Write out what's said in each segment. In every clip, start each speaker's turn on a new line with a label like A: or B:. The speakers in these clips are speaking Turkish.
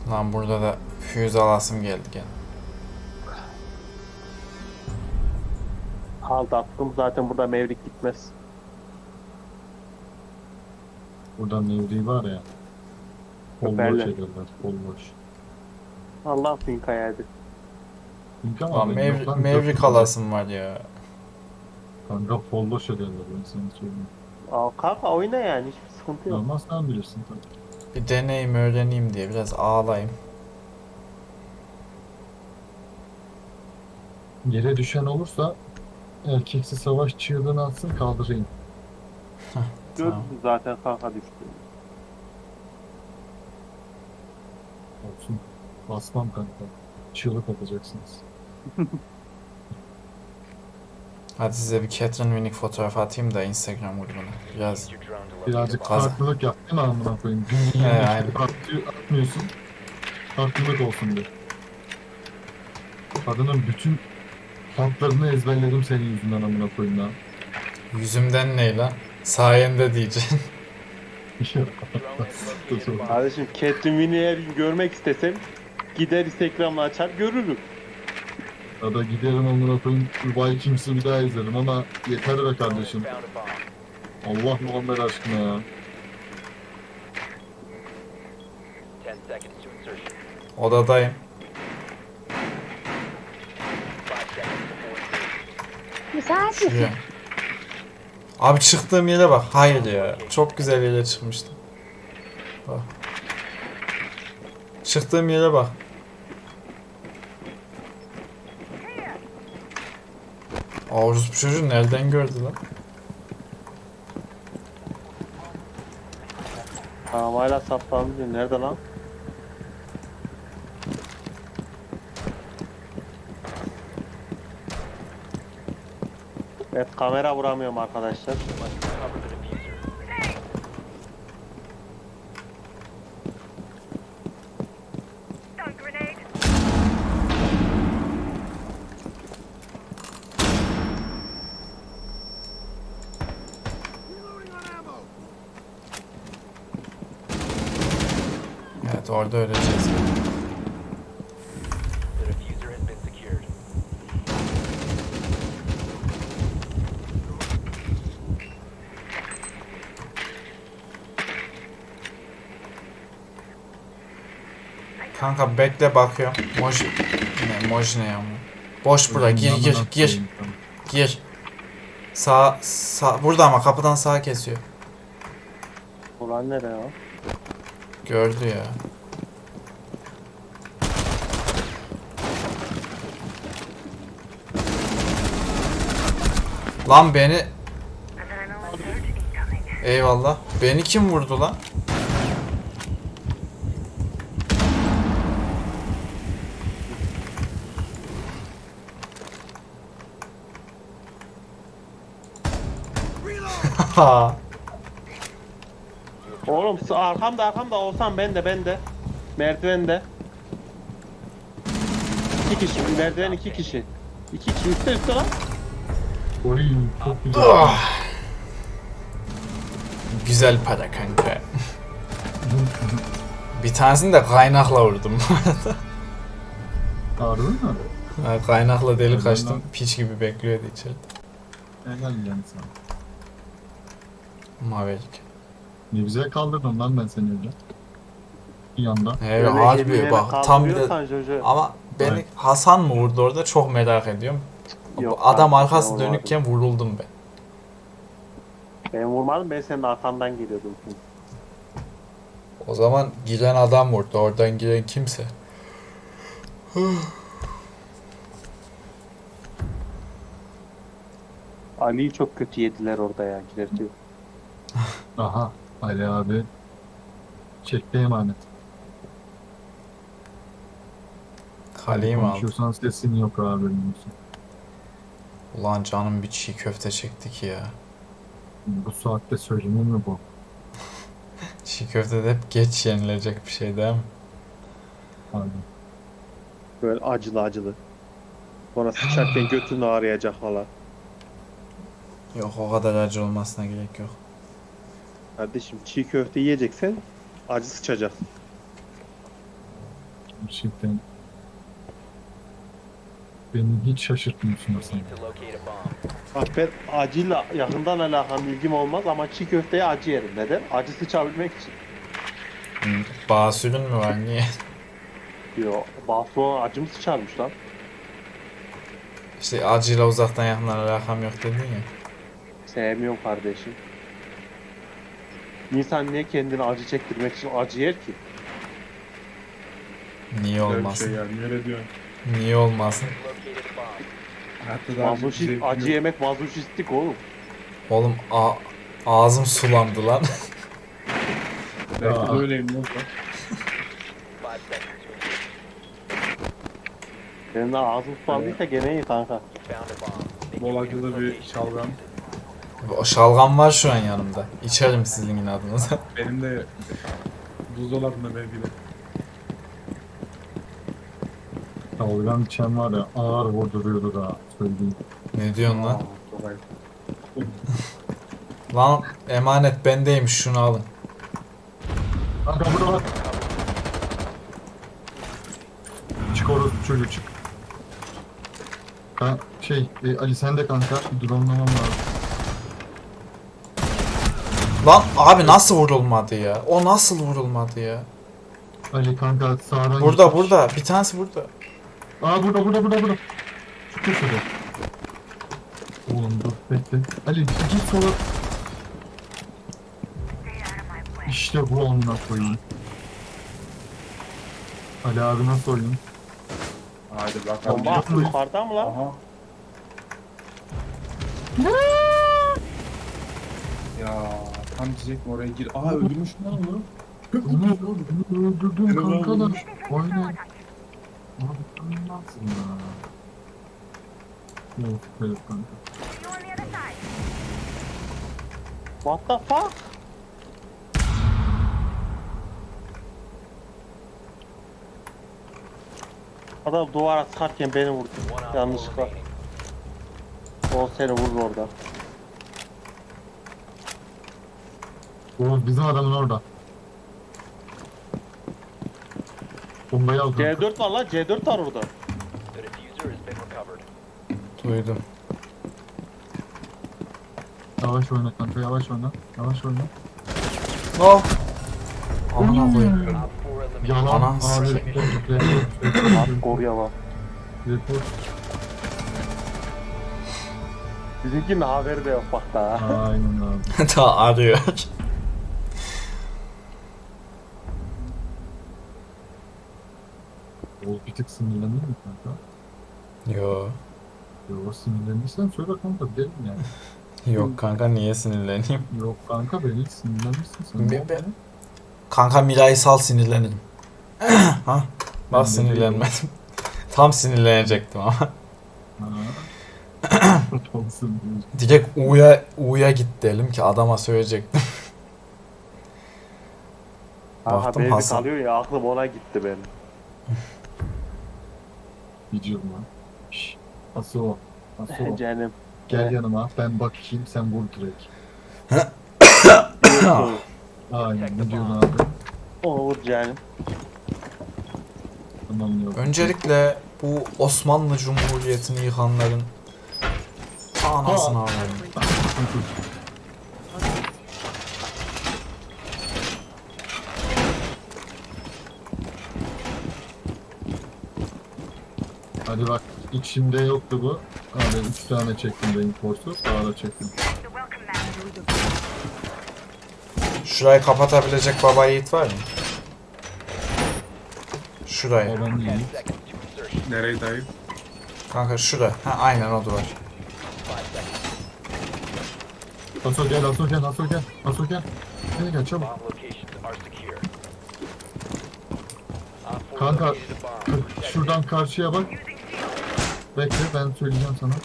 A: Lan burada da füze alasım geldi gene.
B: Halt attım zaten burada Mevrik gitmez.
C: Burada Nevri var ya. Bol boş
B: Öperler.
C: ediyorlar. Bol boş.
B: Allah bin kayaydı.
C: Çünkü
A: Lan
C: ama benim yok lan.
A: Mevrik alasım var ya.
C: Kanka bol boş ediyorlar ben sana söyleyeyim.
B: Aa, kanka oyna yani hiçbir sıkıntı yok.
C: Ama sen bilirsin tabii.
A: Bir deneyim öğreneyim diye biraz ağlayayım.
C: Yere düşen olursa erkeksi savaş çığlığını atsın kaldırayım.
B: Gördün zaten kanka düştü.
C: Olsun. Basmam kanka. Çığlık atacaksınız.
A: Hadi size bir Catherine Winnick fotoğrafı atayım da Instagram grubuna. Biraz
C: Birazcık
A: Fazla.
C: farklılık yap değil mi amına koyayım?
A: He,
C: Günün
A: aynen.
C: yerine atmıyorsun. Farklılık olsun diye. Kadının bütün tatlarını ezberledim senin yüzünden amına koyayım lan.
A: yüzümden ne lan? Sayende diyeceksin.
B: Kardeşim Catherine Winnie'yi her gün görmek istesem gider Instagram'ı açar görürüm.
C: Ya da giderim amına koyayım Vikings'i bir daha izlerim ama yeter be kardeşim. Allah Muhammed aşkına ya.
A: Odadayım.
D: Müsait
A: Şuraya.
D: misin?
A: Abi çıktığım yere bak. Hayır ya. Çok güzel yere çıkmıştım. Bak. Çıktığım yere bak. Avruz bu çocuğu nereden gördü lan?
B: Tamam hala saplanmıyor. Nerede lan? Evet kamera vuramıyorum arkadaşlar.
A: Evet orada öleceğiz. Kanka bekle bakıyorum. Moj ne ya? Boş bura. Gir. Sağ burada ama kapıdan sağa kesiyor.
B: Ulan nereye ya?
A: Gördü ya. Lan beni eyvallah. Beni kim vurdu lan? Ha.
B: Oğlum arkamda olsam ben de. Merdivende. 2 kişi. Merdiven 2 kişi. 2 kişi üstte lan.
C: Oy çok güzel.
A: Ah. Güzel para kanka. Bir tanesini de kaynakla vurdum.
C: Harbi mi?
A: Ha, kaynakla delik
C: Helal
A: açtım.
C: lan.
A: Piç gibi bekliyordu içeride.
C: Helal yani sana.
A: Maverick.
C: Ne güzel kaldırdın lan ben seni öyle. Bir yanda.
A: Evet harbi bak tam bir de
B: kaldırıyorsan Jojo.
A: ama beni
C: Evet.
A: Hasan mı vurdu orada çok merak ediyorum.
B: Yok,
A: Adam
B: kanka,
A: arkası
B: sen
A: dönükken vuruldum ben.
B: Ben vurmadım ben senin arkandan geliyordum.
A: O zaman giren adam vurdu. Oradan giren kimse.
B: Ali'yi çok kötü yediler orada ya girerken.
C: Aha. Ali abi. Çekti emanet.
A: Kaleyi mi aldı?
C: Konuşuyorsan sesin yok abi. Bilmiyorsun.
A: Ulan canım bir çiğ köfte çekti ki ya.
C: Bu saatte söylenir mi bu?
A: Çiğ köfte de hep geç yenilecek bir şey değil mi?
C: Abi.
B: Böyle acılı. Sonra sıçarken götünü ağrıyacak falan.
A: Yok o kadar acı olmasına gerek yok.
B: Kardeşim çiğ köfte yiyeceksen acı sıçacak.
C: Gerçekten. Beni hiç şaşırtmıyorsun Hasan.
B: Bak ben acıyla yakından alakalı ilgim olmaz ama çiğ köfteye acı yerim. Neden? Acı sıçabilmek için.
A: Basülün mü var niye?
B: Yo, Bafra acı mı sıçarmış lan?
A: İşte acıyla uzaktan yakından alakam yok dedin ya.
B: Sevmiyorum kardeşim. İnsan niye kendini acı çektirmek için acı yer ki?
A: Niye
E: Öyle bir
A: olmasın?
E: şey yani. Öyle diyorsun.
A: Niye olmasın?
E: Hayatta daha
B: Mazoşist, acı yemek mazoşistlik oğlum.
A: Oğlum ağzım sulandı lan.
E: Belki
C: Aa.
E: de öyleyim ne oldu?
B: Senin de ağzın sulandıysa gene iyi kanka.
E: Bol acılı bir şalgam.
A: O şalgam var şu an yanımda. İçerim sizin inadınıza.
E: Benim de buzdolabında belki de.
C: Şalgam içen var ya ağır vurduruyordu da söyleyeyim.
A: Ne diyorsun lan?
E: Çok ayıp.
A: Lan emanet bendeymiş, şunu alın.
C: Kanka burada bak. Çık orası çocuk çık. Ali sen de kanka drone'lamam lazım.
A: Lan abi nasıl vurulmadı ya? O nasıl vurulmadı ya?
C: Ali kanka sağdan
A: Burada
C: gitmiş.
A: burada. Bir tanesi burada.
C: Aa burada. Şu köşede. Oğlum dur bekle. Ali git sola. İşte bu amına koyayım. Ali abi nasıl oyun?
E: Hadi bakalım.
B: Bomba attı yukarıda mı lan?
E: Aha. Ya tam diyecektim oraya gir. Aa öldürmüş lan onu.
C: Onu öldürdüm
E: Helal
C: kankalar.
E: olmuş.
C: Aynen. Abi tanımazsın ya. Yok evet kanka.
B: What the fuck? Adam duvara sıkarken beni vurdu. Yanlışlıkla. O seni vurur orada.
C: Oğuz bizim adamın orada. Bombayı al kanka.
B: C4 var lan, C4 var orada.
A: Duydum.
C: Yavaş oyna kanka yavaş oyna.
A: Oh. Amına koyayım.
C: Yalan
A: Ana
C: abi.
A: sikeyim.
B: Hardcore yalan.
C: Report.
B: Bizimkinin haberi de yok bak daha.
C: Aynen abi.
A: Ta arıyor.
C: Oğuz bir tık sinirlendin mi kanka?
A: Yo.
C: Yok sinirlendiysen söyle kanka gidelim yani.
A: Yok kanka, niye sinirleneyim?
C: Yok kanka beni sinirlenmişsin sen.
A: Ben- Kanka Miray'ı sal, sinirlenirim. Ha?
C: Ben
A: Bak
C: de
A: sinirlenmedim. Tam sinirlenecektim ama.
C: Ha. Olsun diyorsun.
A: Direkt U'ya git dedim ki adama söyleyecektim.
B: Aha
A: Baktım
B: beni
A: Hasan.
B: kalıyor ya, aklım ona gitti benim.
C: Gidiyorum lan. Şşş. Asıl o.
B: Canım.
C: Gel yanıma ben bakayım sen vur direkt. Aynen ne diyorsun abi?
B: Olur canım.
C: Tamam yok.
A: Öncelikle bu Osmanlı Cumhuriyeti'ni yıkanların anasını alayım.
C: Hadi bak içimde yoktu bu. Abi 3 tane çektim reinforce'u. Daha da çektim.
A: Şurayı kapatabilecek baba yiğit var mı? Şurayı.
C: Babam iyi.
E: Nereye dayı?
A: Kanka şura. Ha aynen o duvar.
C: Aso gel. Gel çabuk. Kanka şuradan karşıya bak. Bekle ben söyleyeceğim sana.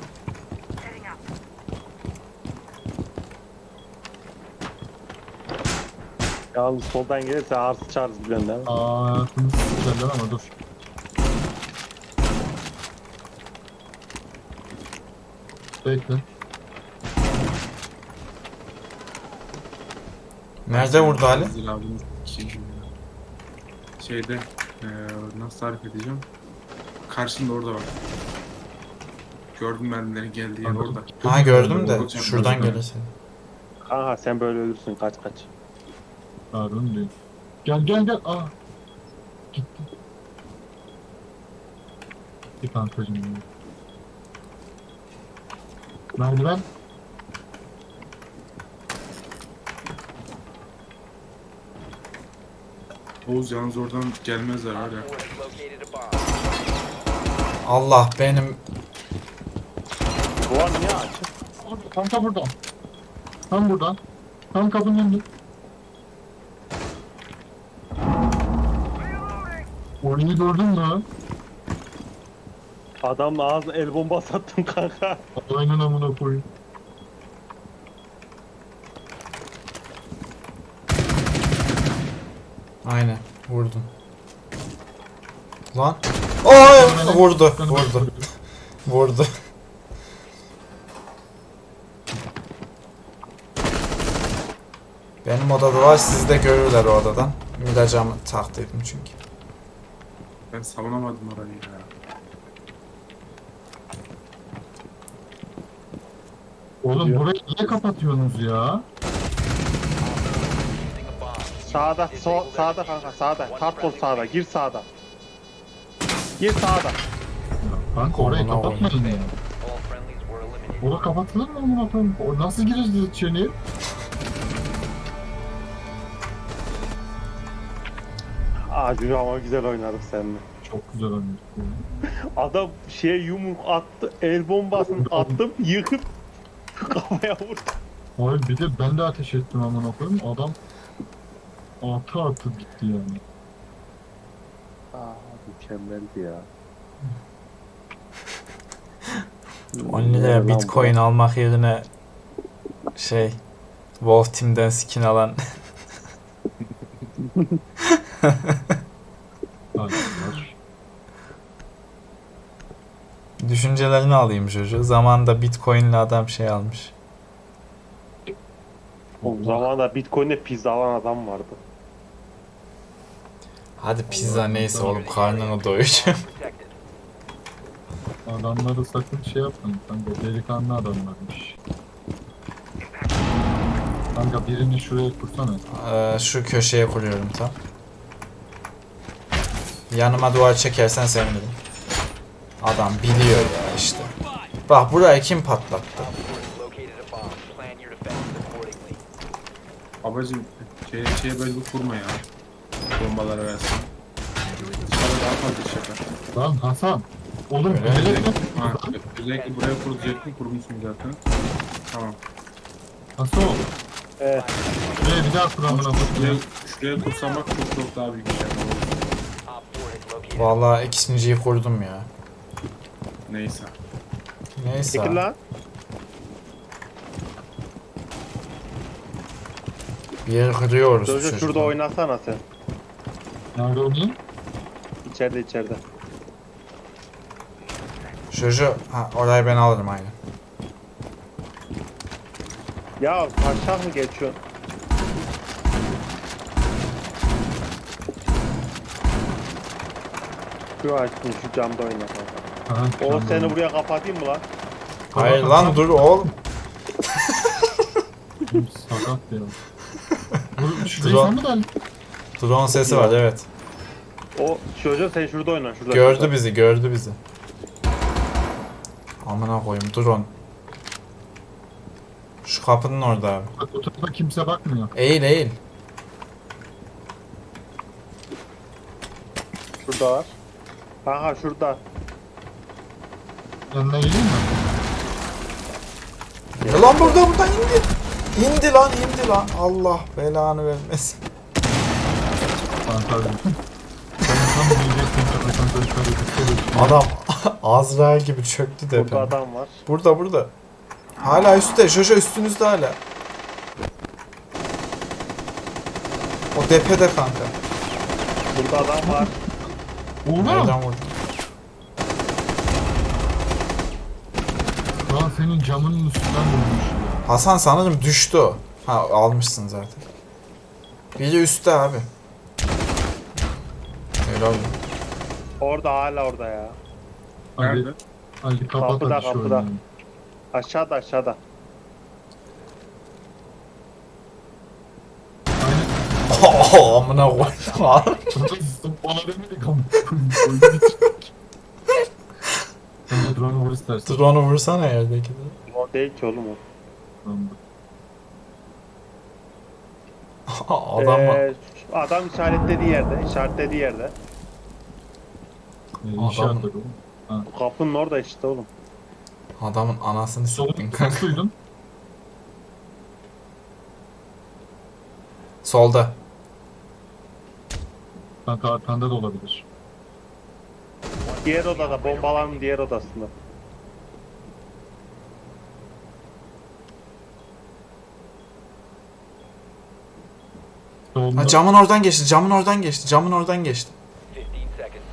B: Yalnız soldan gelirse ağır sıçarız biliyorsun değil mi?
C: Hayatımı s**erler ama dur. Bekle.
A: Nerede vurdu Ali?
E: Zil abinin şeyde. Nasıl tarif edeceğim? Karşında orada var. Gördüm mermilerin geldiği yer orada.
A: Ha gördüm de
E: Orada
A: şuradan
E: çaprazda.
A: gelirsin.
B: Kanka sen böyle ölürsün kaç.
C: Harun değil. Gel. Aa. Gitti. Bir kankacım. Merdiven.
E: Oğuz yalnız oradan gelmezler var ya.
A: Allah benim
B: Duvar niye açık?
C: Kanka burada. Tam burada. Tam kapının önünde. Oyunu gördün mü?
B: Adamla ağzına el bombası attım kanka.
C: Aynen amına koyayım.
A: aynen vurdum. Lan. Ay vurdu. Vurdu. Benim odada var, siz de görürler o odadan. Miracamı taktıydım çünkü.
E: Ben savunamadım orayı ya.
C: Oğlum burayı niye kapatıyorsunuz ya?
B: Sağda kanka sağda. Hardcore sağda. Gir sağda. Gir sağda.
C: Kanka orayı
A: Amına
C: kapatmadın ya. Orada kapatılır mı amına koyayım? O nasıl gireceğiz içeriye?
B: Acil ama güzel oynadık seninle.
C: Çok güzel oynadık ya.
B: Adam yumruk attı. El bombasını attım. Yıkıp kafaya vurdu.
C: Hayır bir de ben de ateş ettim amına koyayım. Adam atı gitti yani.
B: Mükemmeldi ya.
A: 10 liraya bitcoin almak yerine Wolf Team'den skin alan
C: Arkadaşlar.
A: düşüncelerini alayım çocuğu. Zamanında bitcoin'le adam almış.
B: O zamanında Bitcoin'de pizza alan adam vardı.
A: Hadi pizza neyse oğlum, karnını doyuracağım.
C: Adamları sakın şey yapmayın kanka. Delikanlı adamlarmış. Kanka birini şuraya kursana.
A: Şu köşeye kuruyorum tam. Yanıma duvar çekersen sevinirim. Adam biliyor ya işte. Bak burayı kim patlattı?
E: Babacım şeye böyle bir kurma ya. Bombaları versin. Dışarıda daha fazla iş yapar.
C: Lan Hasan. Oğlum
A: Öyle
C: öyle mi?
E: Ha, özellikle buraya kuracaktım, kurmuşsun zaten. Tamam.
C: Hasan.
B: Evet.
C: Şuraya bir daha kur amına koyayım.
E: Şuraya kursam bak çok daha büyük bir şey yapalım.
A: Vallahi ikinciyi kurdum ya.
E: Neyse.
A: Neyse.
B: Çekil lan.
A: Bir yeri kırıyoruz
B: Çocuğu şurada
A: çocuklar.
B: oynasana sen.
C: Nerede oynayayım?
B: İçeride.
A: Çocuğu, orayı ben alırım aynen.
B: Ya aşağı mı geçiyorsun? Şu açtın şu camda oyna kanka.
C: Aha,
B: O
C: tamam.
B: seni buraya kapatayım mı lan?
A: Hayır lan dur oğlum.
C: Sakat ya. Bu şurayı
A: Drone.
C: sen mi geldin?
A: Drone sesi var evet.
B: O çocuğu sen şurada oyna şurada.
A: Gördü bizi. Amına koyayım drone. Şu kapının orada abi.
C: Bak o tarafa kimse bakmıyor.
A: Eğil.
B: Şurada var. Kanka şurada.
C: Yanına geleyim mi?
A: Ya lan buradan indi. İndi lan. Allah belanı vermesin.
C: Kanka. Sen tam diyeceksin kanka şöyle bir şey.
A: Adam Azrail gibi çöktü
B: Burada
A: tepeme.
B: adam var.
A: Burada. Hala üstte. Jojo üstünüzde hala. O tepede kanka.
B: Burada adam var.
C: Oğlum!
A: Nereden vurdu?
C: Lan senin camının üstünden vurmuş ya.
A: Hasan sanırım düştü o. Ha almışsın zaten. Biri üstte abi. gördüm.
B: Orada hala orada ya.
C: Ali,
E: Nerede?
C: Ali kapat
B: Kapıda,
C: hadi şu
B: kapıda.
C: oyunu.
B: Aşağıda aşağıda.
C: Aynen.
A: Amına koydum abi.
C: Bana demedik ama. Oyunu bitirdik. Sen de drone'u vur istersen.
A: Drone'u vursana yerdeki de.
B: O değil ki oğlum o.
C: Tamamdır.
A: Adam mı?
B: Adam işaretlediği yerde. İşaretlediği yerde.
C: İnşaat dedi oğlum.
B: Bu kapının orada işte oğlum.
A: Adamın anasını siktin
C: Solun
A: kanka.
C: ses duydun.
A: Solda.
C: Kanka arkanda da olabilir.
B: Diğer odada. Bombaların diğer odasında.
C: Solunda.
A: Ha, camın oradan geçti, camın oradan geçti, camın oradan geçti.
F: 15 seconds.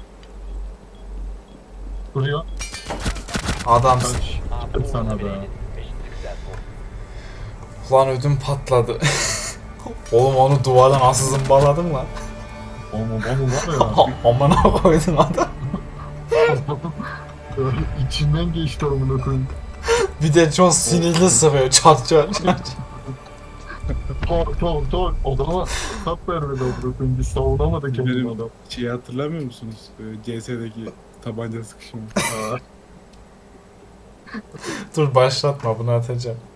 C: Duruyor.
A: Adamsın.
C: Kaç.
F: Op
C: Çıktım
F: 4
C: sana be.
F: eliminated. Mission successful.
A: Ulan ödüm patladı. Oğlum onu duvara nasıl zımbaladım lan?
C: Oğlum var ya.
A: Amına koydum adam.
C: Öyle içinden geçti amına koyayım.
A: Bir de çok sinirli sıkıyor, çat çat çat.
C: Tor. Adama tap vermedi amına koyayım. Biz savunamadık kendini
E: Benim
C: adam.
E: şeyi hatırlamıyor musunuz? CS'deki tabanca sıkışımı.
C: Aa,
A: Dur başlatma, bunu atacağım.